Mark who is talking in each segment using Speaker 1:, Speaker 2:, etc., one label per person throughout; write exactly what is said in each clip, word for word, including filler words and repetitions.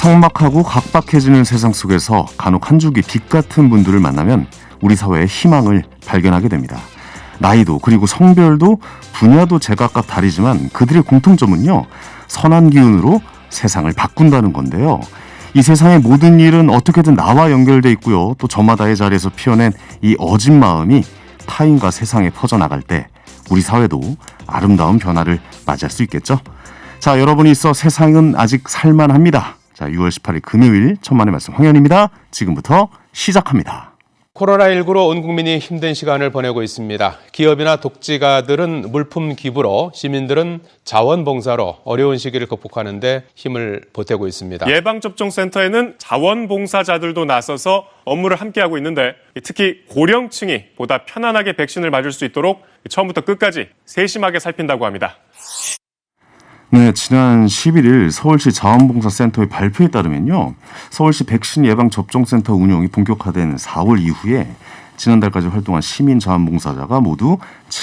Speaker 1: 삭막하고 각박해지는 세상 속에서 간혹 한 줄기 빛 같은 분들을 만나면 우리 사회의 희망을 발견하게 됩니다. 나이도 그리고 성별도 분야도 제각각 다르지만 그들의 공통점은요, 선한 기운으로 세상을 바꾼다는 건데요. 이 세상의 모든 일은 어떻게든 나와 연결돼 있고요. 또 저마다의 자리에서 피어낸 이 어진 마음이 타인과 세상에 퍼져나갈 때 우리 사회도 아름다운 변화를 맞이할 수 있겠죠. 자, 여러분이 있어 세상은 아직 살만합니다. 자, 유월 십팔일 금요일 천만의 말씀 황현입니다. 지금부터 시작합니다.
Speaker 2: 코로나십구로 온 국민이 힘든 시간을 보내고 있습니다. 기업이나 독지가들은 물품 기부로, 시민들은 자원봉사로 어려운 시기를 극복하는 데 힘을 보태고 있습니다.
Speaker 3: 예방접종센터에는 자원봉사자들도 나서서 업무를 함께하고 있는데, 특히 고령층이 보다 편안하게 백신을 맞을 수 있도록 처음부터 끝까지 세심하게 살핀다고 합니다.
Speaker 1: 네, 지난 십일일 서울시 자원봉사센터의 발표에 따르면요, 서울시 백신 예방접종센터 운영이 본격화된 사월 이후에 지난달까지 활동한 시민 자원봉사자가 모두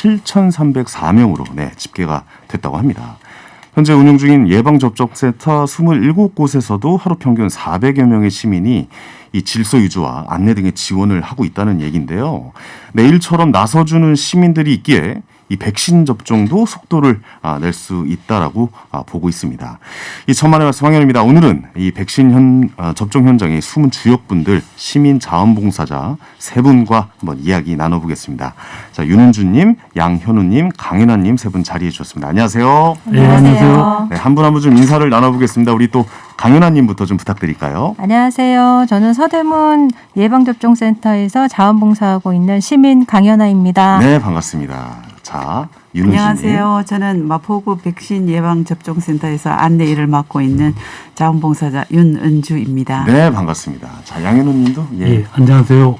Speaker 1: 칠천삼백사 명으로 네, 집계가 됐다고 합니다. 현재 운영 중인 예방접종센터 이십칠 곳에서도 하루 평균 사백여 명의 시민이 이 질서 유지와 안내 등의 지원을 하고 있다는 얘기인데요. 내일처럼 나서주는 시민들이 있기에 이 백신 접종도 속도를 낼 수 있다라고 보고 있습니다. 이 천만의 말씀 황현입니다. 오늘은 이 백신 현, 접종 현장의 숨은 주역분들, 시민 자원봉사자 세 분과 한번 이야기 나눠보겠습니다. 자, 윤은주님, 양현우님, 강윤아님 세 분 자리해 주셨습니다. 안녕하세요.
Speaker 4: 네, 안녕하세요.
Speaker 1: 네, 한 분 한 분 좀 인사를 나눠보겠습니다. 우리 또 강윤아님부터 좀 부탁드릴까요?
Speaker 4: 안녕하세요. 저는 서대문 예방접종센터에서 자원봉사하고 있는 시민 강연아입니다.
Speaker 1: 네, 반갑습니다. 자, 윤은주님.
Speaker 5: 안녕하세요. 저는 마포구 백신 예방접종센터에서 안내 일을 맡고 있는 자원봉사자 윤은주입니다.
Speaker 1: 네, 반갑습니다. 자, 양현우님도. 예.
Speaker 6: 예, 안녕하세요.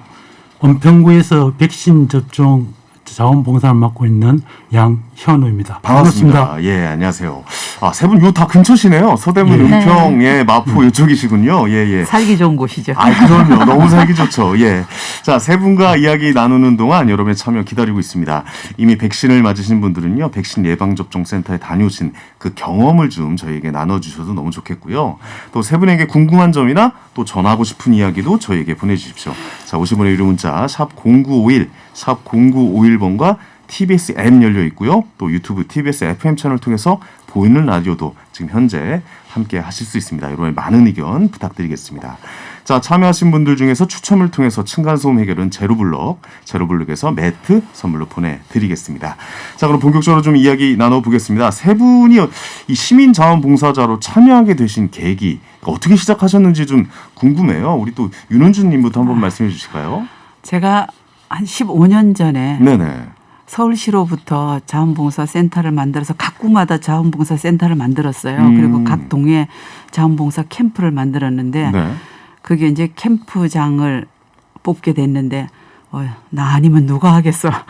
Speaker 6: 은평구에서 백신 접종 자원봉사를 맡고 있는 양현우입니다.
Speaker 1: 반갑습니다.
Speaker 6: 반갑습니다.
Speaker 1: 예, 안녕하세요. 아, 세 분 요 다 근처시네요. 서대문,
Speaker 6: 예.
Speaker 1: 은평, 예, 마포 이쪽이시군요. 예, 예.
Speaker 5: 살기 좋은 곳이죠.
Speaker 1: 아, 그럼요. 너무 살기 좋죠. 예. 자, 세 분과 이야기 나누는 동안 여러분의 참여 기다리고 있습니다. 이미 백신을 맞으신 분들은요, 백신 예방접종센터에 다녀오신 그 경험을 좀 저희에게 나눠주셔도 너무 좋겠고요. 또 세 분에게 궁금한 점이나 또 전하고 싶은 이야기도 저희에게 보내주십시오. 자, 오십 원의 유료 문자 샵 공구오일, 샵 공구오일 번과 티비에스 앱 열려 있고요. 또 유튜브 티비에스 에프엠 채널 통해서 보이는 라디오도 지금 현재 함께 하실 수 있습니다. 여러분의 많은 의견 부탁드리겠습니다. 자, 참여하신 분들 중에서 추첨을 통해서 층간소음 해결은 제로블럭, 제로블럭에서 매트 선물로 보내드리겠습니다. 자, 그럼 본격적으로 좀 이야기 나눠보겠습니다. 세 분이 이 시민자원봉사자로 참여하게 되신 계기, 어떻게 시작하셨는지 좀 궁금해요. 우리 또 윤은주님부터 한번 말씀해 주실까요?
Speaker 5: 제가 한 십오 년 전에
Speaker 1: 네네.
Speaker 5: 서울시로부터 자원봉사센터를 만들어서 각 구마다 자원봉사센터를 만들었어요.
Speaker 1: 음.
Speaker 5: 그리고 각 동에 자원봉사 캠프를 만들었는데
Speaker 1: 네.
Speaker 5: 그게 이제 캠프장을 뽑게 됐는데 어, 나 아니면 누가 하겠어.
Speaker 1: 아,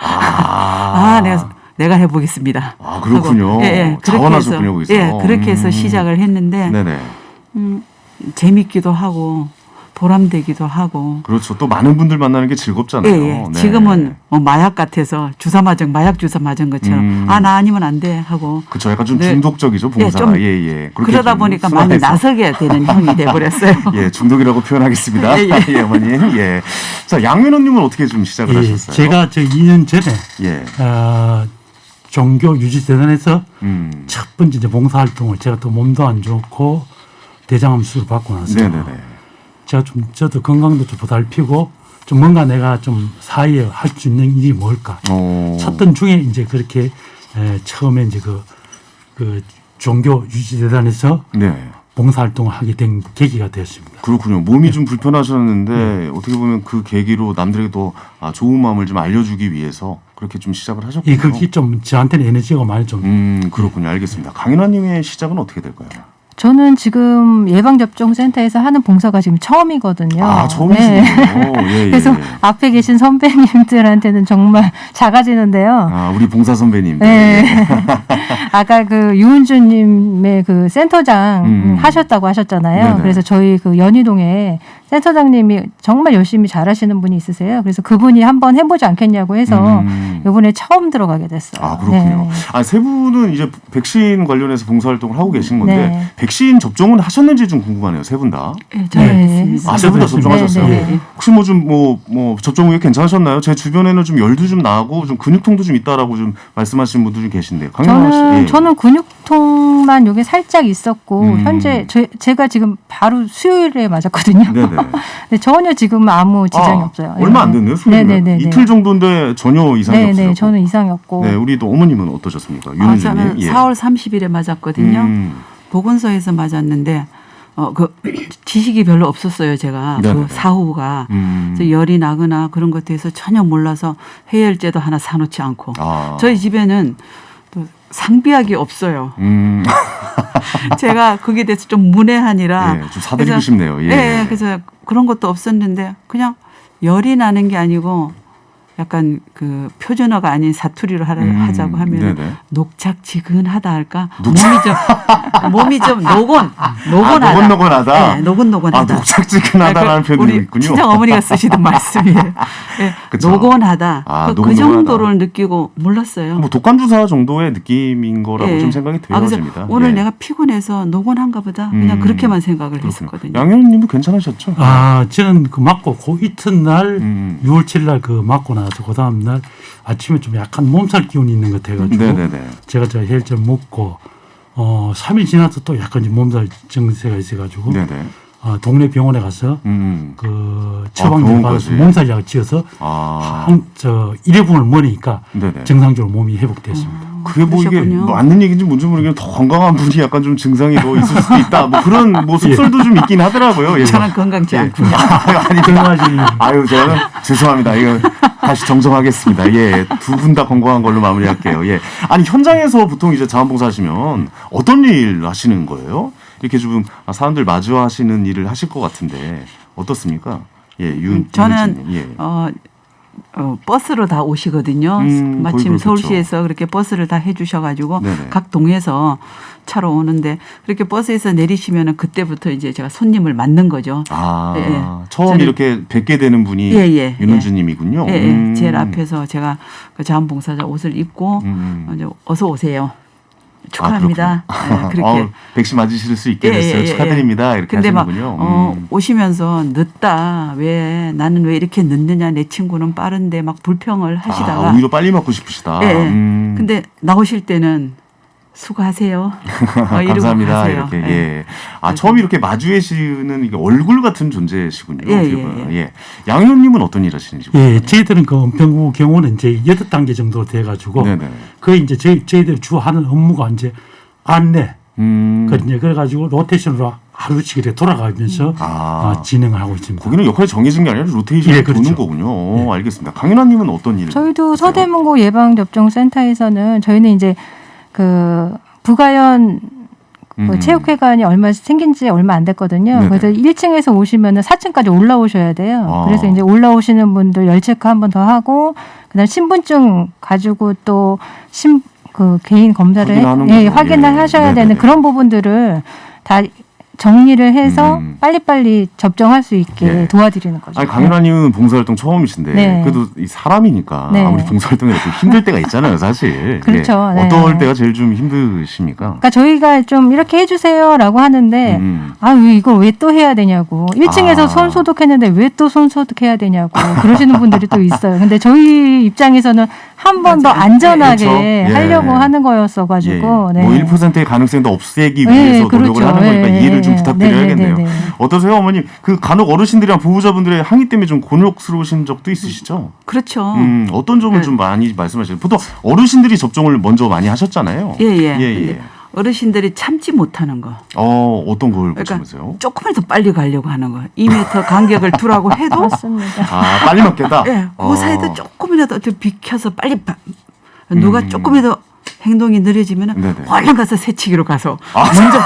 Speaker 5: 아, 내가 내가 해보겠습니다.
Speaker 1: 아, 그렇군요.
Speaker 5: 하고, 예, 예, 그렇게
Speaker 1: 자원하셨군요,
Speaker 5: 해서,
Speaker 1: 거기서.
Speaker 5: 예, 그렇게 해서
Speaker 1: 음.
Speaker 5: 시작을 했는데
Speaker 1: 네네.
Speaker 5: 음, 재밌기도 하고 보람되기도 하고.
Speaker 1: 그렇죠. 또 많은 분들 만나는 게 즐겁잖아요.
Speaker 5: 예, 예.
Speaker 1: 네.
Speaker 5: 지금은 뭐 마약 같아서 주사 맞은 마약 주사 맞은 것처럼
Speaker 1: 음.
Speaker 5: 아, 나 아니면 안 돼 하고.
Speaker 1: 그렇죠. 약간 좀
Speaker 5: 네.
Speaker 1: 중독적이죠, 봉사.
Speaker 5: 예, 좀
Speaker 1: 예, 예. 그렇게
Speaker 5: 그러다
Speaker 1: 좀
Speaker 5: 보니까 많이
Speaker 1: 순화해서.
Speaker 5: 나서게 되는 형이 돼버렸어요.
Speaker 1: 예, 중독이라고 표현하겠습니다.
Speaker 5: 예, 예.
Speaker 1: 예, 어머님. 예. 자, 양민호님은 어떻게 좀 시작을
Speaker 6: 예,
Speaker 1: 하셨어요?
Speaker 6: 제가 저 이 년 전에
Speaker 1: 예.
Speaker 6: 어, 종교 유지재단에서
Speaker 1: 음.
Speaker 6: 첫 번째 이제 봉사활동을, 제가 또 몸도 안 좋고 대장암 수술 받고 나서
Speaker 1: 네네네.
Speaker 6: 제가 좀 저도 건강도 좀 보살피고 좀 뭔가 내가 좀 사회에 할 수 있는 일이 뭘까
Speaker 1: 어.
Speaker 6: 찾던 중에 이제 그렇게 에, 처음에 이제 그, 그 종교 유지재단에서
Speaker 1: 네.
Speaker 6: 봉사활동을 하게 된 계기가 되었습니다.
Speaker 1: 그렇군요. 몸이 좀 불편하셨는데 어떻게 보면 그 계기로 남들에게 더 아, 좋은 마음을 좀 알려주기 위해서 그렇게 좀 시작을 하셨군요.
Speaker 6: 이 그게 좀 저한테는 에너지가 많이 좀
Speaker 1: 음, 그렇군요. 알겠습니다. 강인아님의 시작은 어떻게 될까요?
Speaker 4: 저는 지금 예방접종센터에서 하는 봉사가 지금 처음이거든요.
Speaker 1: 아, 처음이시군요. 예, 예.
Speaker 4: 그래서 앞에 계신 선배님들한테는 정말 작아지는데요.
Speaker 1: 아, 우리 봉사 선배님들.
Speaker 4: 네. 아까 그 유은주님의 그 센터장
Speaker 1: 음.
Speaker 4: 하셨다고 하셨잖아요.
Speaker 1: 네네.
Speaker 4: 그래서 저희 그 연희동에 센터장님이 정말 열심히 잘하시는 분이 있으세요. 그래서 그분이 한번 해보지 않겠냐고 해서
Speaker 1: 음.
Speaker 4: 이번에 처음 들어가게 됐어요.
Speaker 1: 아 그렇군요.
Speaker 4: 네.
Speaker 1: 아, 세 분은 이제 백신 관련해서 봉사활동을 하고 계신 건데
Speaker 4: 네.
Speaker 1: 백신 접종은 하셨는지 좀 궁금하네요. 세 분 다.
Speaker 5: 네, 저는
Speaker 4: 네.
Speaker 5: 했습니다.
Speaker 1: 아, 세 분 다
Speaker 6: 네,
Speaker 1: 접종하셨어요.
Speaker 4: 네, 네.
Speaker 1: 혹시 뭐 좀 뭐 뭐 접종 후에 괜찮으셨나요? 제 주변에는 좀 열도 좀 나고 좀 근육통도 좀 있다라고 좀 말씀하시는 분들이 계신데요. 강연아 씨.
Speaker 4: 저는
Speaker 1: 예.
Speaker 4: 저는 근육통만 요게 살짝 있었고
Speaker 1: 음.
Speaker 4: 현재 제, 제가 지금 바로 수요일에 맞았거든요.
Speaker 1: 네네.
Speaker 4: 근데 전혀 지금 아무 지장이
Speaker 1: 아,
Speaker 4: 없어요.
Speaker 1: 얼마 안
Speaker 4: 네.
Speaker 1: 됐네요. 수요일에.
Speaker 4: 네네네.
Speaker 1: 이틀 정도인데 전혀 이상이
Speaker 4: 네네.
Speaker 1: 없으셨고.
Speaker 4: 저는 이상이 없고.
Speaker 1: 네, 우리 또 어머님은 어떠셨습니까?
Speaker 5: 아,
Speaker 1: 윤은주님.
Speaker 5: 저는
Speaker 1: 예.
Speaker 5: 사월 삼십일에 맞았거든요.
Speaker 1: 음.
Speaker 5: 보건소에서 맞았는데 어, 그 지식이 별로 없었어요. 제가
Speaker 1: 네네네.
Speaker 5: 그 사후가
Speaker 1: 음.
Speaker 5: 그래서 열이 나거나 그런 것에 대해서 전혀 몰라서 해열제도 하나 사놓지 않고
Speaker 1: 아.
Speaker 5: 저희 집에는 또 상비약이 없어요.
Speaker 1: 음.
Speaker 5: 제가 거기에 대해서 좀 문외한이라
Speaker 1: 예, 좀 사드리고
Speaker 5: 그래서-
Speaker 1: 싶네요. 예.
Speaker 5: 예, 그래서 그런 것도 없었는데 그냥 열이 나는 게 아니고 약간 그 표준어가 아닌 사투리로 하라,
Speaker 1: 음,
Speaker 5: 하자고 하면
Speaker 1: 네네.
Speaker 5: 녹착지근하다 할까?
Speaker 1: 녹착-
Speaker 5: 몸이 좀 몸이 좀 노곤 노곤하다.
Speaker 1: 아, 노곤노곤하다?
Speaker 5: 네, 노곤노곤하다.
Speaker 1: 아, 녹착지근하다라는
Speaker 5: 아, 그
Speaker 1: 표현이
Speaker 5: 우리
Speaker 1: 있군요.
Speaker 5: 친정 어머니가 쓰시던 말씀이에요. 네,
Speaker 1: 그쵸.
Speaker 5: 노곤하다.
Speaker 1: 아,
Speaker 5: 그, 그
Speaker 1: 노곤노곤하다.
Speaker 5: 정도를 느끼고 몰랐어요.
Speaker 1: 뭐 독감 주사 정도의 느낌인 거라고
Speaker 5: 예.
Speaker 1: 좀 생각이
Speaker 5: 아, 그래서
Speaker 1: 되어집니다.
Speaker 5: 오늘
Speaker 1: 예.
Speaker 5: 내가 피곤해서 노곤한가 보다. 그냥
Speaker 1: 음,
Speaker 5: 그렇게만 생각을
Speaker 1: 그렇군요.
Speaker 5: 했었거든요.
Speaker 1: 양현님도 괜찮으셨죠?
Speaker 6: 아, 저는 그 맞고 그 이튿날
Speaker 1: 음.
Speaker 6: 유월 칠 일 날 그 맞고 나서 그 다음 날 아침에 좀 약간 몸살 기운이 있는 것 같아가지고
Speaker 1: 네네네.
Speaker 6: 제가 저 헬제를 먹고 어 삼 일 지나서 또 약간 좀 몸살 증세가 있어가지고
Speaker 1: 네네.
Speaker 6: 어, 동네 병원에 가서
Speaker 1: 음.
Speaker 6: 그 처방전
Speaker 1: 병원까지.
Speaker 6: 받아서 몸살약을 지어서
Speaker 1: 아.
Speaker 6: 한, 저 일회분을 먹으니까
Speaker 1: 네네.
Speaker 6: 정상적으로 몸이 회복됐습니다.
Speaker 1: 그게 뭐 이게
Speaker 5: 그러셨군요.
Speaker 1: 맞는 얘기인지 뭔지 모르겠는데 더 건강한 분이 약간 좀 증상이 더 있을 수도 있다. 뭐 그런 뭐 속설도 좀 있긴 하더라고요. 예.
Speaker 5: 저는 건강치 않군요.
Speaker 1: 아니,
Speaker 6: 건강하지.
Speaker 1: 아유, 저는 죄송합니다. 이거 다시 정정하겠습니다. 예, 두 분 다 건강한 걸로 마무리할게요. 예, 아니 현장에서 보통 이제 자원봉사 하시면 어떤 일 하시는 거예요? 이렇게 좀 사람들 마주하시는 일을 하실 것 같은데 어떻습니까? 예, 윤
Speaker 5: 음, 저는
Speaker 1: 윤은주님, 예.
Speaker 5: 어, 어, 버스로 다 오시거든요.
Speaker 1: 음, 거의
Speaker 5: 마침
Speaker 1: 그렇겠죠.
Speaker 5: 서울시에서 그렇게 버스를 다 해주셔가지고
Speaker 1: 네네.
Speaker 5: 각 동에서 차로 오는데 그렇게 버스에서 내리시면은 그때부터 이제 제가 손님을 맞는 거죠.
Speaker 1: 아,
Speaker 5: 예, 예.
Speaker 1: 처음
Speaker 5: 저는-
Speaker 1: 이렇게 뵙게 되는 분이
Speaker 5: 예, 예,
Speaker 1: 윤은주님이군요.
Speaker 5: 예, 예.
Speaker 1: 음.
Speaker 5: 제일 앞에서 제가 그 자원봉사자 옷을 입고
Speaker 1: 음.
Speaker 5: 이제 어서 오세요. 축하합니다.
Speaker 1: 아,
Speaker 5: 예,
Speaker 1: 그렇군요.
Speaker 5: 그렇게.
Speaker 1: 아우, 백신 맞으실 수 있게
Speaker 5: 예,
Speaker 1: 됐어요.
Speaker 5: 예, 예,
Speaker 1: 축하드립니다. 이렇게
Speaker 5: 근데 막
Speaker 1: 하시는군요.
Speaker 5: 어,
Speaker 1: 음.
Speaker 5: 오시면서 늦다. 왜 나는 왜 이렇게 늦느냐. 내 친구는 빠른데 막 불평을 하시다가
Speaker 1: 아, 오히려 빨리 맞고 싶으시다.
Speaker 5: 예, 예.
Speaker 1: 음.
Speaker 5: 근데 나오실 때는 수고하세요. 어, 이러고
Speaker 1: 감사합니다.
Speaker 5: 가세요.
Speaker 1: 이렇게
Speaker 5: 예.
Speaker 1: 예. 아 처음 이렇게 마주해시는 이게 얼굴 같은 존재시군요.
Speaker 5: 예,
Speaker 1: 어떻게
Speaker 5: 예,
Speaker 1: 보면.
Speaker 5: 예.
Speaker 1: 예. 양현님은 어떤 일 하시는지.
Speaker 6: 예, 저희들은 그 은평구 경우는 이제 여덟 단계 정도 돼가지고
Speaker 1: 네네.
Speaker 6: 그 이제 저희 저희들이 주 하는 업무가 이제 안내,
Speaker 1: 음.
Speaker 6: 그 이제 그래가지고 로테이션으로 하루씩 이렇게 돌아가면서
Speaker 1: 아.
Speaker 6: 어, 진행을 하고 있습니다.
Speaker 1: 거기는 역할이 정해진 게 아니라 로테이션이
Speaker 6: 예, 그렇죠.
Speaker 1: 도는 거군요. 어, 알겠습니다. 강윤아님은 어떤 일?
Speaker 4: 저희도
Speaker 1: 하세요?
Speaker 4: 서대문고 예방접종센터에서는 저희는 이제 그 부가연 그
Speaker 1: 음.
Speaker 4: 체육회관이 얼마 생긴 지 얼마 안 됐거든요.
Speaker 1: 네네.
Speaker 4: 그래서 일 층에서 오시면은 사 층까지 올라오셔야 돼요.
Speaker 1: 아.
Speaker 4: 그래서 이제 올라오시는 분들 열 체크 한 번 더 하고 그다음 신분증 가지고 또 신 그 개인 검사를
Speaker 1: 확인하는
Speaker 4: 해, 예,
Speaker 1: 거죠.
Speaker 4: 확인을
Speaker 1: 예.
Speaker 4: 하셔야
Speaker 1: 네네네.
Speaker 4: 되는 그런 부분들을 다 정리를 해서
Speaker 1: 음.
Speaker 4: 빨리빨리 접종할 수 있게
Speaker 1: 예.
Speaker 4: 도와드리는 거죠.
Speaker 1: 아니 강윤아님은 봉사활동 처음이신데
Speaker 4: 네.
Speaker 1: 그래도 이 사람이니까
Speaker 4: 네.
Speaker 1: 아무리 봉사활동이 좀 힘들 때가 있잖아요, 사실.
Speaker 4: 그렇죠.
Speaker 1: 예.
Speaker 4: 네.
Speaker 1: 어떨 때가 제일 좀 힘드십니까?
Speaker 4: 그러니까 저희가 좀 이렇게 해주세요라고 하는데
Speaker 1: 음.
Speaker 4: 아, 왜 이걸 왜 또 해야 되냐고. 일 층에서
Speaker 1: 아.
Speaker 4: 손 소독했는데 왜 또 손 소독해야 되냐고 그러시는 분들이 또 있어요. 근데 저희 입장에서는 한 번 더 안전하게
Speaker 1: 그렇죠. 예.
Speaker 4: 하려고 하는 거였어가지고.
Speaker 1: 예.
Speaker 4: 네.
Speaker 1: 뭐 일 퍼센트의 가능성도 없애기
Speaker 4: 네,
Speaker 1: 위해서 노력을
Speaker 4: 그렇죠.
Speaker 1: 하는 거니까
Speaker 4: 예,
Speaker 1: 이해를 좀
Speaker 4: 예.
Speaker 1: 부탁드려야겠네요.
Speaker 4: 네, 네, 네, 네.
Speaker 1: 어떠세요, 어머님? 그 간혹 어르신들이랑 보호자분들의 항의 때문에 좀 곤욕스러우신 적도 있으시죠?
Speaker 5: 그렇죠.
Speaker 1: 음, 어떤 점을
Speaker 5: 네.
Speaker 1: 좀 많이 말씀하시죠? 보통 어르신들이 접종을 먼저 많이 하셨잖아요.
Speaker 5: 예, 예.
Speaker 1: 예, 예.
Speaker 5: 근데 어르신들이 참지 못하는 거.
Speaker 1: 어, 어떤 걸
Speaker 5: 그러니까
Speaker 1: 보시면서요?
Speaker 5: 조금만 더 빨리 가려고 하는 거. 이 미터 간격을 두라고 해도
Speaker 4: 맞습니다.
Speaker 1: 아, 빨리 맞겠다?
Speaker 5: 예, 그
Speaker 1: 어.
Speaker 5: 사이도 조금이라도 좀 비켜서 빨리 바, 누가
Speaker 1: 음.
Speaker 5: 조금이라도 행동이 느려지면
Speaker 1: 네네.
Speaker 5: 얼른 가서 새치기로 가서
Speaker 1: 아,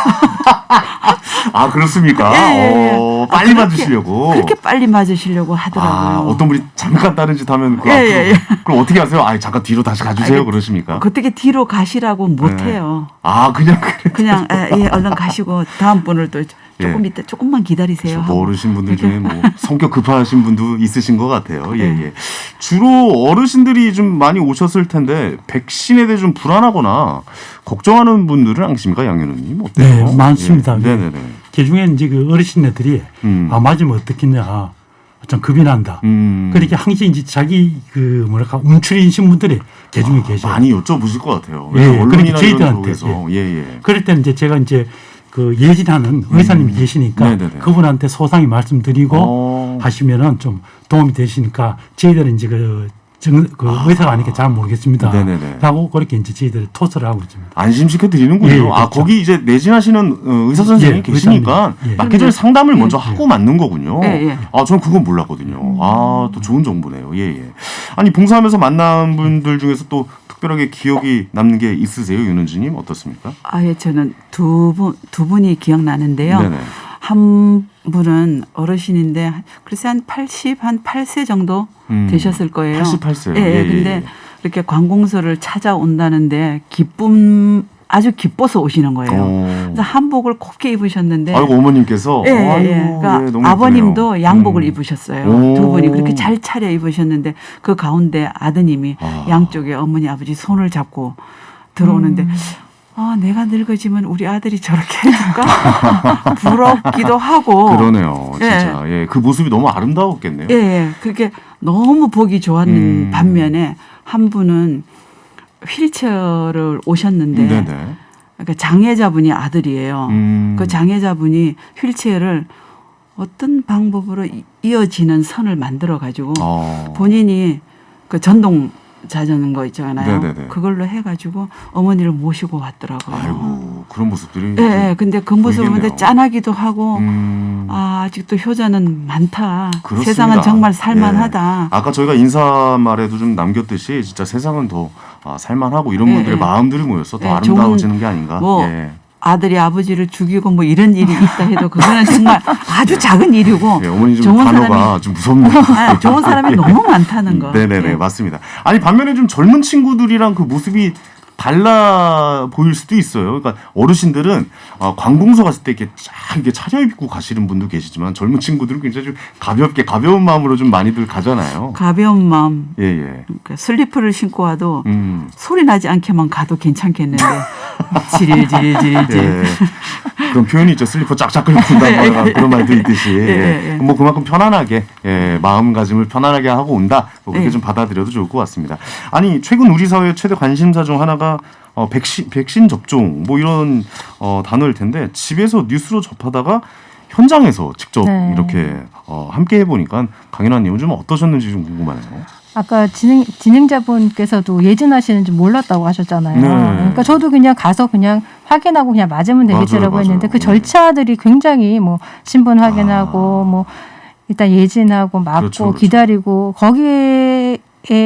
Speaker 1: 아, 그렇습니까?
Speaker 5: 예, 예, 예.
Speaker 1: 어,
Speaker 5: 아,
Speaker 1: 빨리
Speaker 5: 그렇게,
Speaker 1: 맞으시려고.
Speaker 5: 그렇게 빨리 맞으시려고 하더라고요.
Speaker 1: 아, 어떤 분이 잠깐 다른 짓 하면 그
Speaker 5: 예,
Speaker 1: 앞으로
Speaker 5: 예, 예.
Speaker 1: 그럼 어떻게 하세요? 아, 잠깐 뒤로 다시 가주세요.
Speaker 5: 아니,
Speaker 1: 그러십니까?
Speaker 5: 어떻게 뒤로 가시라고 못
Speaker 1: 네.
Speaker 5: 해요.
Speaker 1: 아, 그냥 그래.
Speaker 5: 그냥 예, 예, 얼른 가시고 다음 분을 또 조금
Speaker 1: 예.
Speaker 5: 이따 조금만 기다리세요.
Speaker 1: 그렇죠.
Speaker 5: 하고.
Speaker 1: 뭐 어르신 분들
Speaker 5: 이렇게.
Speaker 1: 중에 뭐 성격 급하신 분도 있으신 것 같아요. 예,
Speaker 5: 네.
Speaker 1: 예. 주로 어르신들이 좀 많이 오셨을 텐데 백신에 대해 좀 불안하거나 걱정하는 분들은 안 계십니까, 양현우님? 어때요?
Speaker 6: 네, 많습니다.
Speaker 1: 예. 네네네.
Speaker 6: 그 중에 이제 그 어르신네들이
Speaker 1: 음.
Speaker 6: 아 맞으면 어떻겠냐, 좀 겁이 난다.
Speaker 1: 음.
Speaker 6: 그렇게 항상 이제 자기 그 뭐랄까 움츠리신 분들이 그 중에 계셔요.
Speaker 1: 많이 여쭤보실 것 같아요.
Speaker 6: 예,
Speaker 1: 언론이나
Speaker 6: 그러니까
Speaker 1: 이런
Speaker 6: 저희들한테,
Speaker 1: 쪽에서 예, 예.
Speaker 6: 그럴 때는 이제 제가 이제 그 예진하는 의사님이
Speaker 1: 음.
Speaker 6: 계시니까
Speaker 1: 네네네.
Speaker 6: 그분한테 소상히 말씀드리고
Speaker 1: 어.
Speaker 6: 하시면은 좀 도움이 되시니까 저희들은 이제 그, 정, 그
Speaker 1: 아.
Speaker 6: 의사가 아니니까 잘 모르겠습니다.
Speaker 1: 네네네.
Speaker 6: 라고 그렇게 이제 저희들이 토스를 하고 있습니다.
Speaker 1: 안심시켜 드리는군요.
Speaker 6: 예, 예,
Speaker 1: 아,
Speaker 6: 그렇죠.
Speaker 1: 거기 이제 내진하시는 어, 의사 선생님이
Speaker 6: 예,
Speaker 1: 계시니까
Speaker 6: 의사님. 예.
Speaker 1: 맞기 전에 상담을 먼저
Speaker 5: 예.
Speaker 1: 하고 맞는 거군요.
Speaker 5: 예, 예.
Speaker 1: 아, 저는 그건 몰랐거든요. 아, 또 좋은 정보네요. 예, 예. 아니, 봉사하면서 만난 분들 중에서 또 특별하게 기억이 남는 게 있으세요, 윤은주님? 어떻습니까?
Speaker 5: 아예 저는 두 분 두 분이 기억나는데요.
Speaker 1: 네네.
Speaker 5: 한 분은 어르신인데 글쎄 한 팔십, 한 팔 세 정도
Speaker 1: 음,
Speaker 5: 되셨을 거예요.
Speaker 1: 팔십팔 세요.
Speaker 5: 예,
Speaker 1: 예,
Speaker 5: 예.
Speaker 1: 예,
Speaker 5: 근데
Speaker 1: 예.
Speaker 5: 이렇게 관공서를 찾아온다는데 기쁨 아주 기뻐서 오시는 거예요.
Speaker 1: 어.
Speaker 5: 그래서 한복을 곱게 입으셨는데
Speaker 1: 아이고, 어머님께서.
Speaker 5: 예, 예,
Speaker 1: 아이고,
Speaker 5: 예. 그러니까
Speaker 1: 예, 너무
Speaker 5: 아버님도
Speaker 1: 예쁘네요.
Speaker 5: 양복을
Speaker 1: 음.
Speaker 5: 입으셨어요.
Speaker 1: 오.
Speaker 5: 두 분이 그렇게 잘 차려 입으셨는데 그 가운데 아드님이
Speaker 1: 아.
Speaker 5: 양쪽에 어머니 아버지 손을 잡고 들어오는데 아 내가 늙어지면 우리 아들이 저렇게 해줄까 부럽기도 하고
Speaker 1: 그러네요. 진짜. 예. 그 모습이 너무 아름다웠겠네요.
Speaker 5: 예, 예. 그게 너무 보기 좋았는
Speaker 1: 음.
Speaker 5: 반면에 한 분은 휠체어를 오셨는데
Speaker 1: 네네.
Speaker 5: 그러니까 장애자분이 아들이에요.
Speaker 1: 음.
Speaker 5: 그 장애자분이 휠체어를 어떤 방법으로 이- 이어지는 선을 만들어 가지고
Speaker 1: 어.
Speaker 5: 본인이 그 전동 자전거 있잖아요.
Speaker 1: 네네네.
Speaker 5: 그걸로 해가지고 어머니를 모시고 왔더라고요.
Speaker 1: 아이고, 그런 모습들이.
Speaker 5: 예, 예. 근데 그 모습을 보는데
Speaker 1: 보이겠네요.
Speaker 5: 짠하기도 하고
Speaker 1: 음.
Speaker 5: 아, 아직도 효자는 많다.
Speaker 1: 그렇습니다.
Speaker 5: 세상은 정말 살만하다.
Speaker 1: 예. 아까 저희가 인사말에도 좀 남겼듯이 진짜 세상은 더 아, 살만하고 이런
Speaker 5: 예,
Speaker 1: 분들의
Speaker 5: 예.
Speaker 1: 마음들이 모여서 더
Speaker 5: 예,
Speaker 1: 아름다워지는 게 아닌가.
Speaker 5: 뭐
Speaker 1: 예.
Speaker 5: 아들이 아버지를 죽이고 뭐 이런 일이 있다 해도 그거는 정말 아주 작은 일이고
Speaker 1: 예, 어머니 좀
Speaker 5: 좋은
Speaker 1: 단어가
Speaker 5: 사람이
Speaker 1: 좀 무섭네요.
Speaker 5: 아, 좋은 사람이 너무 많다는 거.
Speaker 1: 네네네,
Speaker 5: 예.
Speaker 1: 맞습니다. 아니, 반면에 좀 젊은 친구들이랑 그 모습이 달라 보일 수도 있어요. 그러니까 어르신들은 어, 관공서 갔을 때 이렇게 쫙 이렇게 차려입고 가시는 분도 계시지만 젊은 친구들은 굉장히 좀 가볍게 가벼운 마음으로 좀 많이들 가잖아요.
Speaker 5: 가벼운 마음,
Speaker 1: 예, 예.
Speaker 5: 그러니까 슬리퍼를 신고 와도
Speaker 1: 음.
Speaker 5: 소리 나지 않게만 가도 괜찮겠는데 지릴지릴지릴질.
Speaker 1: 예. 그런 표현이 있죠. 슬리퍼 쫙쫙 끌고 온다 그런 말도 있듯이.
Speaker 5: 예,
Speaker 1: 예.
Speaker 5: 예.
Speaker 1: 뭐 그만큼 편안하게 예, 마음가짐을 편안하게 하고 온다. 뭐 그렇게
Speaker 5: 예.
Speaker 1: 좀 받아들여도 좋을 것 같습니다. 아니, 최근 우리 사회의 최대 관심사 중 하나가 어, 백신 백신 접종 뭐 이런 어, 단어일 텐데 집에서 뉴스로 접하다가 현장에서 직접
Speaker 4: 네.
Speaker 1: 이렇게 어, 함께 해보니까 강인환님은 좀 어떠셨는지 좀 궁금하네요.
Speaker 4: 아까 진행, 진행자분께서도 예진하시는지 몰랐다고 하셨잖아요.
Speaker 1: 네.
Speaker 4: 그러니까 저도 그냥 가서 그냥 확인하고 그냥 맞으면 되겠지라고
Speaker 1: 맞아요,
Speaker 4: 했는데
Speaker 1: 맞아요.
Speaker 4: 그
Speaker 1: 네.
Speaker 4: 절차들이 굉장히 뭐 신분 확인하고
Speaker 1: 아.
Speaker 4: 뭐 일단 예진하고 맞고
Speaker 1: 그렇죠, 그렇죠.
Speaker 4: 기다리고 거기에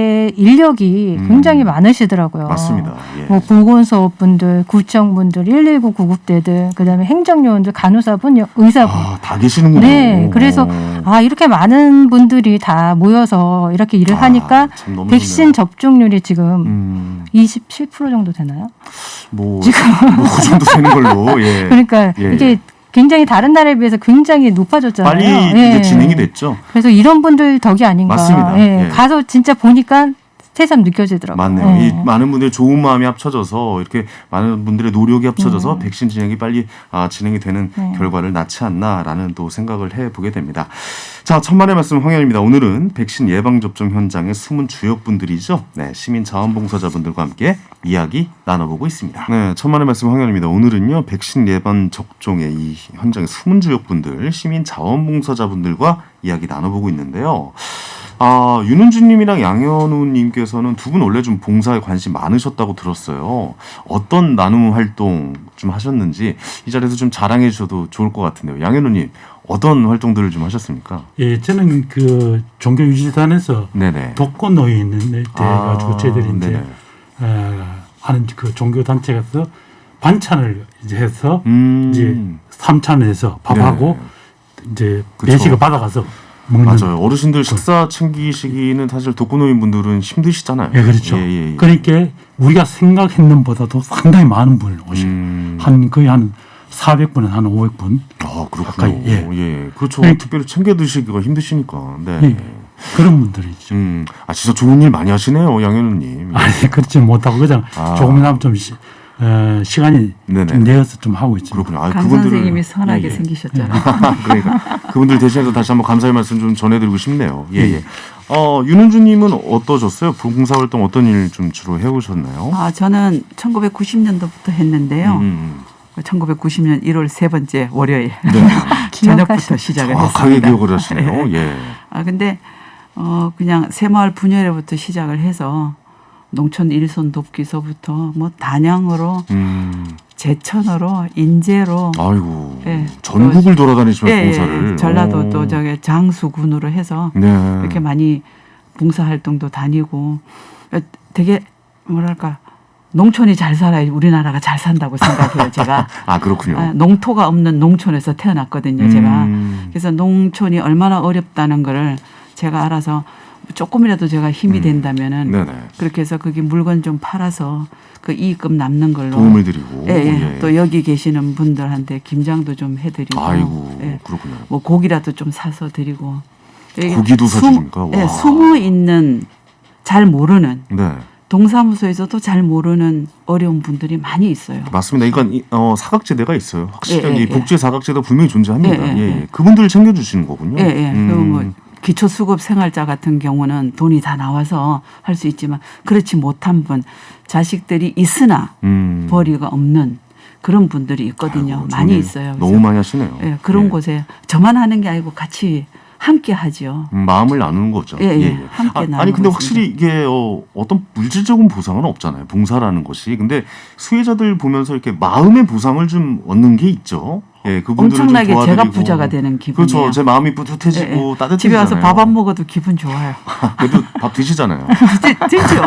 Speaker 4: 인력이
Speaker 1: 음.
Speaker 4: 굉장히 많으시더라고요.
Speaker 1: 맞습니다. 예.
Speaker 4: 뭐 보건소분들, 구청분들, 일일구 구급대들, 그다음에 행정요원들, 간호사분, 의사분.
Speaker 1: 아, 다 계시는군요.
Speaker 4: 네, 그래서 아 이렇게 많은 분들이 다 모여서 이렇게 일을
Speaker 1: 아,
Speaker 4: 하니까
Speaker 1: 참 너무
Speaker 4: 백신
Speaker 1: 좋네요.
Speaker 4: 접종률이 지금
Speaker 1: 음,
Speaker 4: 이십칠 퍼센트 정도 되나요?
Speaker 1: 뭐,
Speaker 4: 지금
Speaker 1: 뭐그 정도 되는 걸로. 예.
Speaker 4: 그러니까
Speaker 1: 예,
Speaker 4: 이게
Speaker 1: 예.
Speaker 4: 굉장히 다른 나라에 비해서 굉장히 높아졌잖아요.
Speaker 1: 빨리
Speaker 4: 예.
Speaker 1: 이제 진행이 됐죠.
Speaker 4: 그래서 이런 분들 덕이 아닌가.
Speaker 1: 맞습니다.
Speaker 4: 예.
Speaker 1: 예.
Speaker 4: 가서 진짜 보니까 새삼 느껴지더라고요.
Speaker 1: 맞네요.
Speaker 4: 예.
Speaker 1: 이 많은 분들의 좋은 마음이 합쳐져서 이렇게 많은 분들의 노력이 합쳐져서
Speaker 4: 음.
Speaker 1: 백신 진행이 빨리 아, 진행이 되는
Speaker 4: 네.
Speaker 1: 결과를 낳지 않나라는 또 생각을 해보게 됩니다. 자, 천만의 말씀 황현입니다. 오늘은 백신 예방접종 현장의 숨은 주역분들이죠. 네, 시민자원봉사자분들과 함께 이야기 나눠보고 있습니다. 네, 천만의 말씀 황현입니다. 오늘은요, 백신 예방 접종의 이 현장의 숨은 주역분들, 시민자원봉사자분들과 이야기 나눠보고 있는데요. 아, 윤은주님이랑 양현우님께서는 두 분 원래 좀 봉사에 관심 많으셨다고 들었어요. 어떤 나눔 활동 좀 하셨는지 이 자리에서 좀 자랑해 주셔도 좋을 것 같은데요. 양현우님, 어떤 활동들을 좀 하셨습니까?
Speaker 6: 예, 저는 그 종교유지단에서
Speaker 1: 네네.
Speaker 6: 독거 노인 때 가지고 저희들이 이제
Speaker 1: 네네.
Speaker 6: 어, 하는 그 종교 단체에서 반찬을 이제 해서
Speaker 1: 음,
Speaker 6: 이제 삼찬해서 밥하고
Speaker 1: 네.
Speaker 6: 이제
Speaker 1: 그쵸.
Speaker 6: 배식을 받아가서 먹는.
Speaker 1: 맞아요. 어르신들 식사 챙기시기는 사실 독거노인분들은 힘드시잖아요.
Speaker 6: 예, 그렇죠.
Speaker 1: 예, 예, 예.
Speaker 6: 그러니까 우리가 생각했는 보다도 상당히 많은 분을 오시고
Speaker 1: 음,
Speaker 6: 한 거의 한 사백 분에 한 오백 분.
Speaker 1: 아, 그렇군요.
Speaker 6: 가까이, 예.
Speaker 1: 예. 그렇죠.
Speaker 6: 네.
Speaker 1: 특별히 챙겨 드시기가 힘드시니까. 네.
Speaker 6: 네. 그런 분들이죠.
Speaker 1: 음, 아, 진짜 좋은 일 많이 하시네요, 양현우님.
Speaker 6: 아니 그렇지 못하고 그냥
Speaker 1: 아.
Speaker 6: 조금이나마 좀 시, 어, 시간이
Speaker 1: 네네.
Speaker 6: 좀 내어서 좀 하고 있죠.
Speaker 1: 그렇군요. 아,
Speaker 5: 강
Speaker 1: 그분들을-
Speaker 5: 선생님이 선하게
Speaker 1: 예, 예.
Speaker 5: 생기셨잖아요.
Speaker 1: 그러니까 그분들 대신해서 다시 한번 감사의 말씀 좀 전해드리고 싶네요. 예,
Speaker 6: 음.
Speaker 1: 예. 어, 윤은주님은 어떠셨어요? 봉사활동 어떤 일 좀 주로 해오셨나요?
Speaker 5: 아, 저는 천구백구십 년도부터 했는데요.
Speaker 1: 음,
Speaker 5: 천구백구십 년 일월 세 번째 월요일
Speaker 1: 네.
Speaker 5: 저녁부터 시작을
Speaker 1: 정확하게
Speaker 5: 했습니다.
Speaker 1: 기억을 하시네요. 예.
Speaker 5: 아 근데 어 그냥 새마을 분열회부터 시작을 해서 농촌 일손 돕기서부터 뭐 단양으로
Speaker 1: 음,
Speaker 5: 제천으로 인제로
Speaker 1: 아이고.
Speaker 5: 예.
Speaker 1: 전국을 돌아다니시면서
Speaker 5: 예,
Speaker 1: 봉사를.
Speaker 5: 예, 전라도
Speaker 1: 오.
Speaker 5: 또 저기 장수군으로 해서
Speaker 1: 네.
Speaker 5: 이렇게 많이 봉사 활동도 다니고 되게 뭐랄까 농촌이 잘 살아야 우리나라가 잘 산다고 생각해요. 제가
Speaker 1: 아, 그렇군요.
Speaker 5: 아, 농토가 없는 농촌에서 태어났거든요. 제가
Speaker 1: 음.
Speaker 5: 그래서 농촌이 얼마나 어렵다는 거를 제가 알아서 조금이라도 제가 힘이
Speaker 1: 음.
Speaker 5: 된다면은
Speaker 1: 네네.
Speaker 5: 그렇게 해서 거기 물건 좀 팔아서 그 이익금 남는 걸로
Speaker 1: 도움을 드리고.
Speaker 5: 예, 예. 또 여기 계시는 분들한테 김장도 좀 해드리고
Speaker 1: 아이고,
Speaker 5: 예.
Speaker 1: 그렇군요.
Speaker 5: 뭐 고기라도 좀 사서 드리고 이게
Speaker 1: 고기도
Speaker 5: 숨-
Speaker 1: 사주십니까?
Speaker 5: 예,
Speaker 1: 와.
Speaker 5: 숨어 있는 잘 모르는
Speaker 1: 네.
Speaker 5: 동사무소에서도 잘 모르는 어려운 분들이 많이 있어요.
Speaker 1: 맞습니다. 이건 이- 어, 사각지대가 있어요. 확실히
Speaker 5: 예, 예,
Speaker 1: 이 복지 사각지대가 분명히 존재합니다.
Speaker 5: 예,
Speaker 1: 예,
Speaker 5: 예,
Speaker 1: 예.
Speaker 5: 예.
Speaker 1: 그분들을 챙겨주시는 거군요.
Speaker 5: 예, 예.
Speaker 1: 음.
Speaker 5: 그리고 뭐 기초수급 생활자 같은 경우는 돈이 다 나와서 할 수 있지만 그렇지 못한 분, 자식들이 있으나
Speaker 1: 음.
Speaker 5: 벌이가 없는 그런 분들이 있거든요.
Speaker 1: 아이고,
Speaker 5: 많이
Speaker 1: 정말
Speaker 5: 있어요.
Speaker 1: 너무
Speaker 5: 그래서
Speaker 1: 많이 하시네요.
Speaker 5: 예, 그런
Speaker 1: 예.
Speaker 5: 곳에 저만 하는 게 아니고 같이 함께 하죠.
Speaker 1: 음, 마음을 나누는 거죠.
Speaker 5: 예, 예. 함께
Speaker 1: 아,
Speaker 5: 나누고
Speaker 1: 아니 근데
Speaker 5: 있습니다.
Speaker 1: 확실히 이게 어, 어떤 물질적인 보상은 없잖아요. 봉사라는 것이. 근데 수혜자들 보면서 이렇게 마음의 보상을 좀 얻는 게 있죠. 예, 그분들을
Speaker 5: 엄청나게
Speaker 1: 좀 도와드리고.
Speaker 5: 제가 부자가 되는 기분이에요.
Speaker 1: 그렇죠. 제 마음이 뿌듯해지고
Speaker 5: 예, 예.
Speaker 1: 따뜻해지잖아요.
Speaker 5: 집에 와서 밥 안 먹어도 기분 좋아요.
Speaker 1: 그래도 밥 드시잖아요.
Speaker 5: 되죠.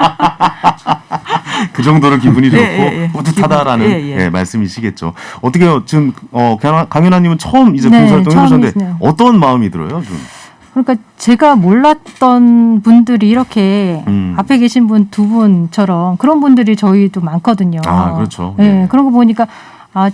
Speaker 1: 그 정도로 기분이 좋고
Speaker 5: 예, 예, 예.
Speaker 1: 뿌듯하다라는
Speaker 5: 기분, 예, 예.
Speaker 1: 예, 말씀이시겠죠. 어떻게요? 지금 어, 강연- 강연아님은 처음 이제
Speaker 4: 네,
Speaker 1: 봉사활동 해보셨는데
Speaker 4: 처음이시네요.
Speaker 1: 어떤 마음이 들어요? 좀.
Speaker 4: 그러니까 제가 몰랐던 분들이 이렇게
Speaker 1: 음.
Speaker 4: 앞에 계신 분 두 분처럼 그런 분들이 저희도 많거든요.
Speaker 1: 아, 그렇죠.
Speaker 4: 네,
Speaker 1: 예.
Speaker 4: 그런 거 보니까 아,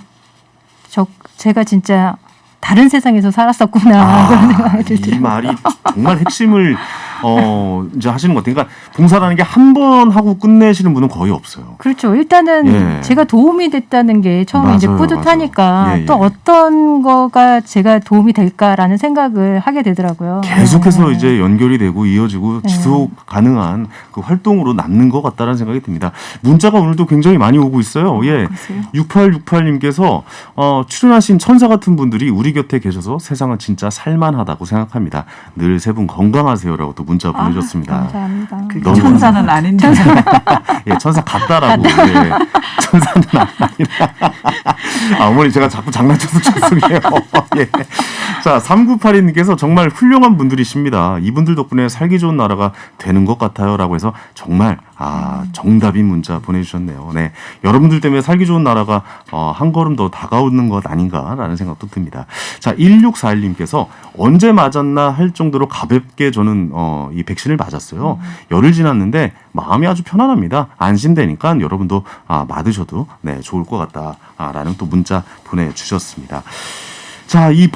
Speaker 4: 저 제가 진짜 다른 세상에서 살았었구나 그런 생각이
Speaker 1: 이
Speaker 4: 들더라고요.
Speaker 1: 말이 정말 핵심을 어, 이제 하시는 것 같아요. 그러니까 봉사라는 게 한 번 하고 끝내시는 분은 거의 없어요.
Speaker 4: 그렇죠. 일단은
Speaker 1: 예.
Speaker 4: 제가 도움이 됐다는 게 처음에 이제
Speaker 1: 맞아요,
Speaker 4: 뿌듯하니까
Speaker 1: 맞아요. 예, 예.
Speaker 4: 또 어떤 거가 제가 도움이 될까라는 생각을 하게 되더라고요.
Speaker 1: 계속해서
Speaker 4: 네.
Speaker 1: 이제 연결이 되고 이어지고
Speaker 4: 네.
Speaker 1: 지속 가능한 그 활동으로 남는 것 같다는 생각이 듭니다. 문자가 오늘도 굉장히 많이 오고 있어요. 예.
Speaker 5: 그러세요?
Speaker 1: 육팔육팔님께서 어, 출연하신 천사 같은 분들이 우리 곁에 계셔서 세상은 진짜 살만하다고 생각합니다. 늘 세 분 건강하세요라고 또 문자 보내셨습니다.
Speaker 4: 감사합니다.
Speaker 5: 그게
Speaker 1: 너무
Speaker 5: 천사는 아닌데.
Speaker 1: 예, 천사 같다라고. 예, 천사는 아니라. 아, 어머니 제가 자꾸 장난쳐서 죄송해요. 예. 자, 삼구팔이님께서 정말 훌륭한 분들이십니다. 이분들 덕분에 살기 좋은 나라가 되는 것 같아요라고 해서 정말 아, 정답인 문자 보내주셨네요. 네, 여러분들 때문에 살기 좋은 나라가 어, 한 걸음 더 다가오는 것 아닌가라는 생각도 듭니다. 자, 일육사일님께서 언제 맞았나 할 정도로 가볍게 저는 어, 이 백신을 맞았어요. 열흘 지났는데 마음이 아주 편안합니다. 안심되니까 여러분도 아, 맞으셔도 네, 좋을 것 같다라는 또 문자 보내주셨습니다. 자, 이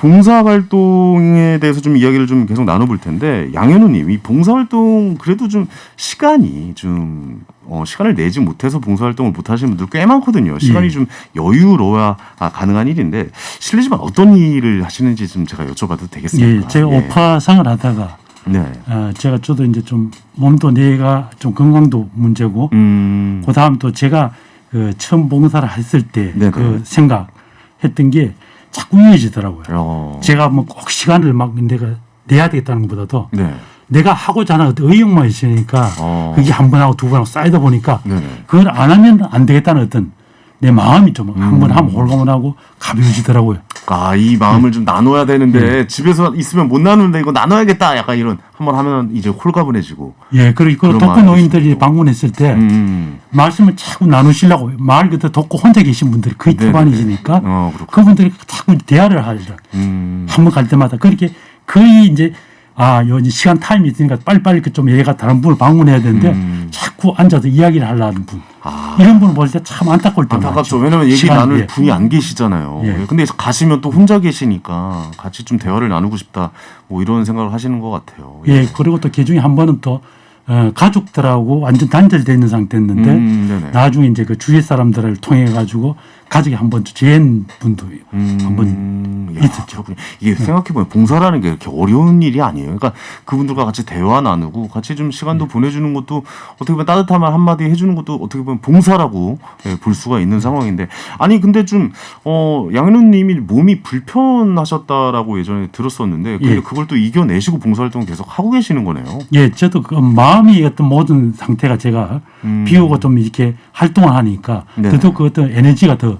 Speaker 1: 봉사활동에 대해서 좀 이야기를 좀 계속 나눠볼 텐데, 양현우님, 이 봉사활동 그래도 좀 시간이 좀, 어, 시간을 내지 못해서 봉사활동을 못 하시는 분들 꽤 많거든요. 시간이
Speaker 6: 예.
Speaker 1: 좀 여유로워야 아, 가능한 일인데, 실례지만 어떤 일을 하시는지 좀 제가 여쭤봐도 되겠습니까?
Speaker 6: 예, 제가
Speaker 1: 예.
Speaker 6: 오파상을 하다가
Speaker 1: 네.
Speaker 6: 어, 제가 저도 이제 좀 몸도 뇌가 좀 건강도 문제고
Speaker 1: 음.
Speaker 6: 그 다음 또 제가 그 처음 봉사를 했을 때
Speaker 1: 네네.
Speaker 6: 그 생각했던 게 자꾸 이어지더라고요.
Speaker 1: 어.
Speaker 6: 제가 뭐 꼭 시간을 막 내가 내야 되겠다는 것보다도
Speaker 1: 네.
Speaker 6: 내가 하고자 하는 어떤 의욕만 있으니까
Speaker 1: 어.
Speaker 6: 그게 한 번 하고 두 번 하고 쌓이다 보니까
Speaker 1: 네네.
Speaker 6: 그걸 안 하면 안 되겠다는 어떤 내 마음이 좀 한 번
Speaker 1: 음.
Speaker 6: 하면 홀가분하고 가벼워지더라고요.
Speaker 1: 아, 이 마음을 좀 나눠야 되는데, 집에서 있으면 못 나누는데 이거 나눠야겠다. 약간 이런, 한번 하면 이제 홀가분해지고.
Speaker 6: 예, 그리고
Speaker 1: 그런
Speaker 6: 독거
Speaker 1: 마음이
Speaker 6: 노인들이
Speaker 1: 드시고.
Speaker 6: 방문했을 때
Speaker 1: 음.
Speaker 6: 말씀을 자꾸 나누시려고 말 그대로 독거 혼자 계신 분들이 거의
Speaker 1: 네네네.
Speaker 6: 태반이시니까
Speaker 1: 어, 그렇군요.
Speaker 6: 그분들이 자꾸 대화를 하죠.
Speaker 1: 음.
Speaker 6: 한 번 갈 때마다 그렇게 거의 이제 아, 요 이제 시간 타임이 있으니까 빨리빨리 그 좀 얘가 다른 분을 방문해야 되는데
Speaker 1: 음.
Speaker 6: 자꾸 앉아서 이야기를 하려는 분.
Speaker 1: 아.
Speaker 6: 이런 분을 볼 때 참 안타까울 때
Speaker 1: 안타깝죠.
Speaker 6: 많죠.
Speaker 1: 왜냐면 얘기
Speaker 6: 시간이,
Speaker 1: 나눌
Speaker 6: 예.
Speaker 1: 분이 안 계시잖아요.
Speaker 6: 예.
Speaker 1: 근데 가시면 또 혼자 계시니까 같이 좀 대화를 나누고 싶다. 뭐 이런 생각을 하시는 것 같아요.
Speaker 6: 예, 그리고 또 그 중에 한 번은 또 어, 가족들하고 완전 단절되어 있는 상태였는데
Speaker 1: 음, 네네.
Speaker 6: 나중에 이제 그 주위 사람들을 통해 가지고 가족이 한번 재한 분도
Speaker 1: 음,
Speaker 6: 한번
Speaker 1: 야,
Speaker 6: 있었죠.
Speaker 1: 그렇군요. 이게 생각해보면 봉사라는 게 이렇게 어려운 일이 아니에요. 그러니까 그분들과 같이 대화 나누고 같이 좀 시간도 보내주는 것도 어떻게 보면 따뜻한 말 한마디 해주는 것도 어떻게 보면 봉사라고 예, 볼 수가 있는 상황인데 아니 근데 좀 어, 양현우님이 몸이 불편하셨다라고 예전에 들었었는데 근데
Speaker 6: 예.
Speaker 1: 그걸 또 이겨내시고 봉사활동을 계속 하고 계시는 거네요.
Speaker 6: 예, 저도 그 마음이 어떤 모든 상태가 제가
Speaker 1: 음.
Speaker 6: 비우고 좀 이렇게 활동을 하니까
Speaker 1: 네네.
Speaker 6: 더더욱 그 어떤 에너지가 더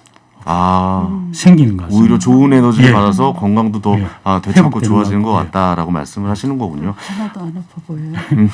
Speaker 1: 아.
Speaker 6: 생기는 것 같습니다.
Speaker 1: 오히려 좋은 에너지를
Speaker 6: 예.
Speaker 1: 받아서 건강도 더
Speaker 6: 예.
Speaker 1: 아, 되찾고
Speaker 6: 회복되는
Speaker 1: 좋아지는 것
Speaker 6: 것 같고,
Speaker 1: 같다라고 말씀을 하시는 거군요.
Speaker 5: 하나도 안 아파 보여요.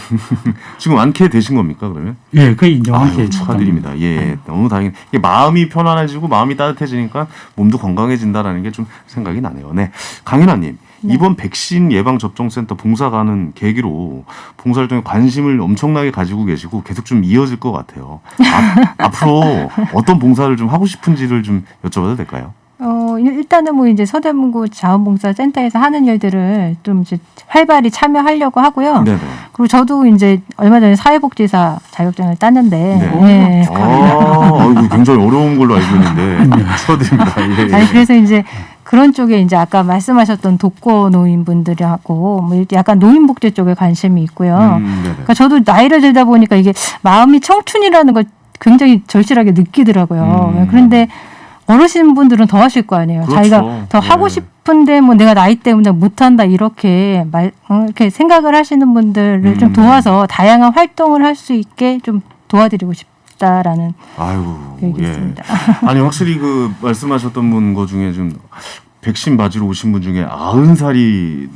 Speaker 1: 지금 완쾌 되신 겁니까 그러면?
Speaker 6: 예, 거의 이제 함께
Speaker 1: 아유, 축하드립니다. 예, 너무 다행. 이게 마음이 편안해지고 마음이 따뜻해지니까 몸도 건강해진다라는 게 좀 생각이 나네요. 네, 강인아님. 이번 백신 예방 접종센터 봉사 가는 계기로 봉사활동에 관심을 엄청나게 가지고 계시고 계속 좀 이어질 것 같아요. 아, 앞으로 어떤 봉사를 좀 하고 싶은지를 좀 여쭤봐도 될까요?
Speaker 4: 어, 일단은 뭐 이제 서대문구 자원봉사센터에서 하는 일들을 좀 이제 활발히 참여하려고 하고요.
Speaker 1: 네네.
Speaker 4: 그리고 저도 이제 얼마 전에 사회복지사 자격증을 땄는데,
Speaker 1: 네.
Speaker 4: 예.
Speaker 1: 아, 아이고, 굉장히 어려운 걸로 알고 있는데 축하드립니다. 예, 예.
Speaker 4: 아니, 그래서 이제 그런 쪽에 이제 아까 말씀하셨던 독거 노인분들하고 뭐 이렇게 약간 노인복지 쪽에 관심이 있고요.
Speaker 1: 음, 네네.
Speaker 4: 그러니까 저도 나이를 들다 보니까 이게 마음이 청춘이라는 걸 굉장히 절실하게 느끼더라고요.
Speaker 1: 음.
Speaker 4: 그런데 어르신 분들은 더 하실 거 아니에요.
Speaker 1: 그렇죠.
Speaker 4: 자기가 더
Speaker 1: 예.
Speaker 4: 하고 싶은데 뭐 내가 나이 때문에 못한다 이렇게 말 어, 이렇게 생각을 하시는 분들을
Speaker 1: 음.
Speaker 4: 좀 도와서 다양한 활동을 할 수 있게 좀 도와드리고 싶다라는
Speaker 1: 아유,
Speaker 4: 계획이
Speaker 1: 예.
Speaker 4: 있습니다.
Speaker 1: 아니 확실히 그 말씀하셨던 분 거 중에 좀 백신 맞으러 오신 분 중에 아흔 살이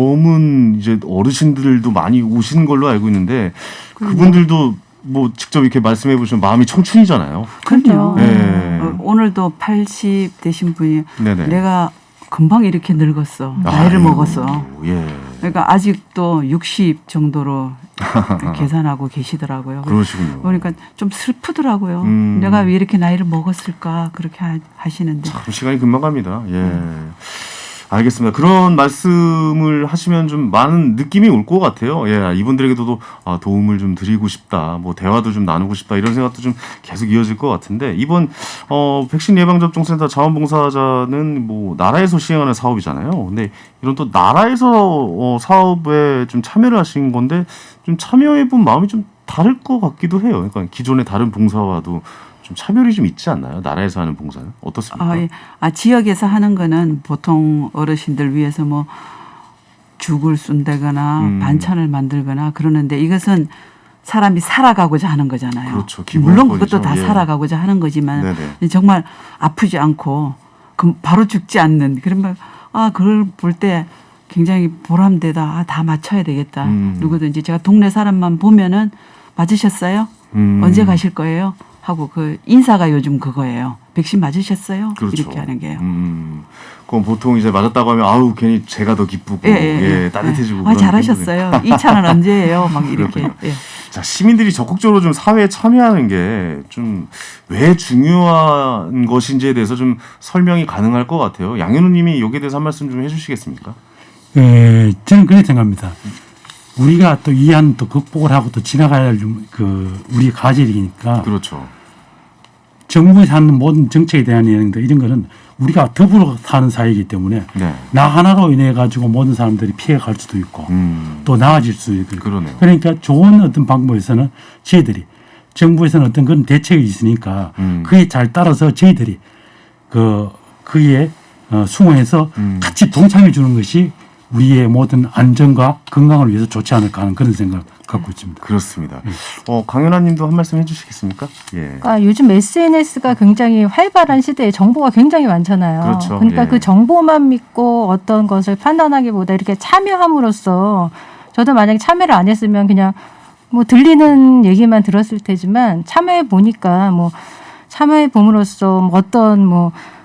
Speaker 1: 넘은 이제 어르신들도 많이 오시는 걸로 알고 있는데 그분들도 뭐 직접 이렇게 말씀해 보시면 마음이 청춘이잖아요.
Speaker 5: 그럼요.
Speaker 1: 예.
Speaker 5: 어, 오늘도 팔십 되신 분이
Speaker 1: 네네.
Speaker 5: 내가 금방 이렇게 늙었어. 나이를
Speaker 1: 아유,
Speaker 5: 먹었어.
Speaker 1: 예.
Speaker 5: 그러니까 아직도 육십 정도로 계산하고 계시더라고요.
Speaker 1: 그러시군요.
Speaker 5: 그러니까 좀 슬프더라고요.
Speaker 1: 음.
Speaker 5: 내가 왜 이렇게 나이를 먹었을까 그렇게 하, 하시는데.
Speaker 1: 참 시간이 금방 갑니다. 예. 알겠습니다. 그런 말씀을 하시면 좀 많은 느낌이 올 것 같아요. 예, 이분들에게도 아, 도움을 좀 드리고 싶다, 뭐 대화도 좀 나누고 싶다 이런 생각도 좀 계속 이어질 것 같은데 이번 어, 백신 예방접종센터 자원봉사자는 뭐 나라에서 시행하는 사업이잖아요. 근데 이런 또 나라에서 어, 사업에 좀 참여를 하신 건데 좀 참여해본 마음이 좀 다를 것 같기도 해요. 그러니까 기존의 다른 봉사와도 좀 차별이 좀 있지 않나요? 나라에서 하는 봉사는 어떻습니까?
Speaker 5: 아, 예. 아, 지역에서 하는 거는 보통 어르신들 위해서 뭐 죽을 쏜다거나
Speaker 1: 음.
Speaker 5: 반찬을 만들거나 그러는데 이것은 사람이 살아가고자 하는 거잖아요.
Speaker 1: 그렇죠.
Speaker 5: 물론
Speaker 1: 기본권이죠.
Speaker 5: 그것도 다
Speaker 1: 예.
Speaker 5: 살아가고자 하는 거지만
Speaker 1: 네네.
Speaker 5: 정말 아프지 않고 그 바로 죽지 않는 그러면 아 그걸 볼 때 굉장히 보람되다. 아, 다 맞춰야 되겠다.
Speaker 1: 음.
Speaker 5: 누구든지 제가 동네 사람만 보면은 맞으셨어요?
Speaker 1: 음.
Speaker 5: 언제 가실 거예요? 하고 그 인사가 요즘 그거예요. 백신 맞으셨어요?
Speaker 1: 그렇죠.
Speaker 5: 이렇게 하는 게요.
Speaker 1: 음. 그럼 보통 이제 맞았다고 하면 아우 괜히 제가 더 기쁘고
Speaker 5: 예, 예,
Speaker 1: 예, 따뜻해지고.
Speaker 5: 아
Speaker 1: 그런
Speaker 5: 잘하셨어요. 이 차는 언제예요? 막 이렇게.
Speaker 1: 그렇군요.
Speaker 5: 예.
Speaker 1: 자, 시민들이 적극적으로 좀 사회에 참여하는 게 좀 왜 중요한 것인지에 대해서 좀 설명이 가능할 것 같아요. 양현우님이 여기에 대해서 한 말씀 좀 해주시겠습니까?
Speaker 6: 예, 저는 그렇게 생각합니다. 우리가 또 이한 또 극복을 하고 또 지나가야 할 그 우리 과제이니까
Speaker 1: 그렇죠.
Speaker 6: 정부에서 하는 모든 정책에 대한 내용들 이런 거는 우리가 더불어 사는 사회이기 때문에
Speaker 1: 네.
Speaker 6: 나 하나로 인해 가지고 모든 사람들이 피해갈 수도 있고
Speaker 1: 음.
Speaker 6: 또 나아질 수도 있고
Speaker 1: 그러네요.
Speaker 6: 그러니까 좋은 어떤 방법에서는 저희들이 정부에서는 어떤 그런 대책이 있으니까
Speaker 1: 음.
Speaker 6: 그에 잘 따라서 저희들이 그 그에 어, 수긍해서
Speaker 1: 음.
Speaker 6: 같이 동참해 주는 것이 우리의 모든 안전과 건강을 위해서 좋지 않을까 하는 그런 생각을 갖고 있습니다.
Speaker 1: 그렇습니다. 어, 강연아님도 한 말씀 해주시겠습니까? 예.
Speaker 4: 그러니까 요즘 에스엔에스가 굉장히 활발한 시대에 정보가 굉장히 많잖아요.
Speaker 1: 그렇죠.
Speaker 4: 그러니까
Speaker 1: 예.
Speaker 4: 그 정보만 믿고 어떤 것을 판단하기보다 이렇게 참여함으로써 저도 만약에 참여를 안 했으면 그냥 뭐 들리는 얘기만 들었을 테지만 참여해 보니까 뭐 참여해 봄으로써 뭐 어떤 뭐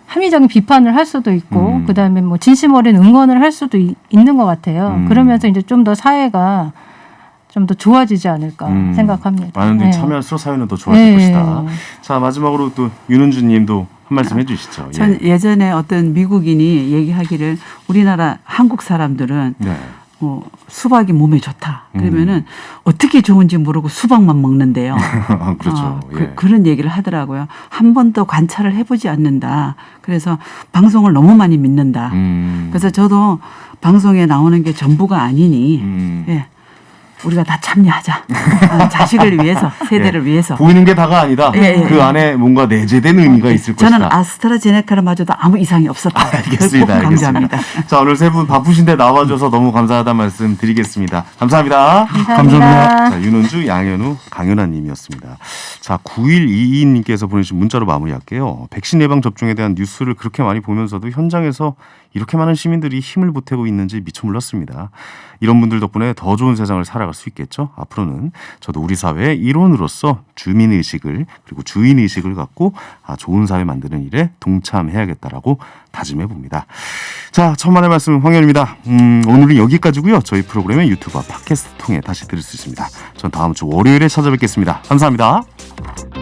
Speaker 4: 합리적인 비판을 할 수도 있고
Speaker 1: 음.
Speaker 4: 그다음에 뭐 진심 어린 응원을 할 수도 이- 있는 것 같아요.
Speaker 1: 음.
Speaker 4: 그러면서 이제 좀 더 사회가 좀 더 좋아지지 않을까
Speaker 1: 음.
Speaker 4: 생각합니다.
Speaker 1: 많은 분들이
Speaker 4: 네.
Speaker 1: 참여할수록 사회는 더 좋아질
Speaker 4: 네.
Speaker 1: 것이다. 자, 마지막으로 또 윤은주 님도 한 말씀 해주시죠.
Speaker 5: 전
Speaker 1: 예.
Speaker 5: 예전에 어떤 미국인이 얘기하기를 우리나라 한국 사람들은
Speaker 1: 네.
Speaker 5: 어, 수박이 몸에 좋다.
Speaker 1: 음.
Speaker 5: 그러면은 어떻게 좋은지 모르고 수박만 먹는데요.
Speaker 1: 그렇죠.
Speaker 5: 어,
Speaker 1: 예.
Speaker 5: 그, 런 얘기를 하더라고요. 한 번도 관찰을 해보지 않는다. 그래서 방송을 너무 많이 믿는다.
Speaker 1: 음.
Speaker 5: 그래서 저도 방송에 나오는 게 전부가 아니니
Speaker 1: 음.
Speaker 5: 예, 우리가 다 참여하자. 어, 자식을 위해서, 세대를
Speaker 1: 예.
Speaker 5: 위해서.
Speaker 1: 보이는 게 다가 아니다.
Speaker 5: 예, 예,
Speaker 1: 그
Speaker 5: 예.
Speaker 1: 안에 뭔가 내재된 의미가 있을
Speaker 5: 저는
Speaker 1: 것이다.
Speaker 5: 아스트라제네카를 맞아도 아무 이상이 없었다.
Speaker 1: 알겠습니다.
Speaker 5: 꼭 강조합니다.
Speaker 1: 알겠습니다. 자, 오늘 세 분 바쁘신데 나와줘서 너무 감사하다는 말씀 드리겠습니다. 감사합니다.
Speaker 4: 감사합니다.
Speaker 1: 자, 윤은주, 양현우, 강연아 님이었습니다. 자, 구일이이 님께서 보내주신 문자로 마무리할게요. 백신 예방 접종에 대한 뉴스를 그렇게 많이 보면서도 현장에서 이렇게 많은 시민들이 힘을 보태고 있는지 미처 몰랐습니다. 이런 분들 덕분에 더 좋은 세상을 살아갈 수 있겠죠. 앞으로는 저도 우리 사회의 일원으로서 주민의식을 그리고 주인의식을 갖고 아, 좋은 사회 만드는 일에 동참해야겠다라고 다짐해 봅니다. 자, 천만의 말씀 황현입니다. 음, 오늘은 여기까지고요. 저희 프로그램은 유튜브와 팟캐스트 통해 다시 들을 수 있습니다. 전 다음 주 월요일에 찾아뵙겠습니다. 감사합니다.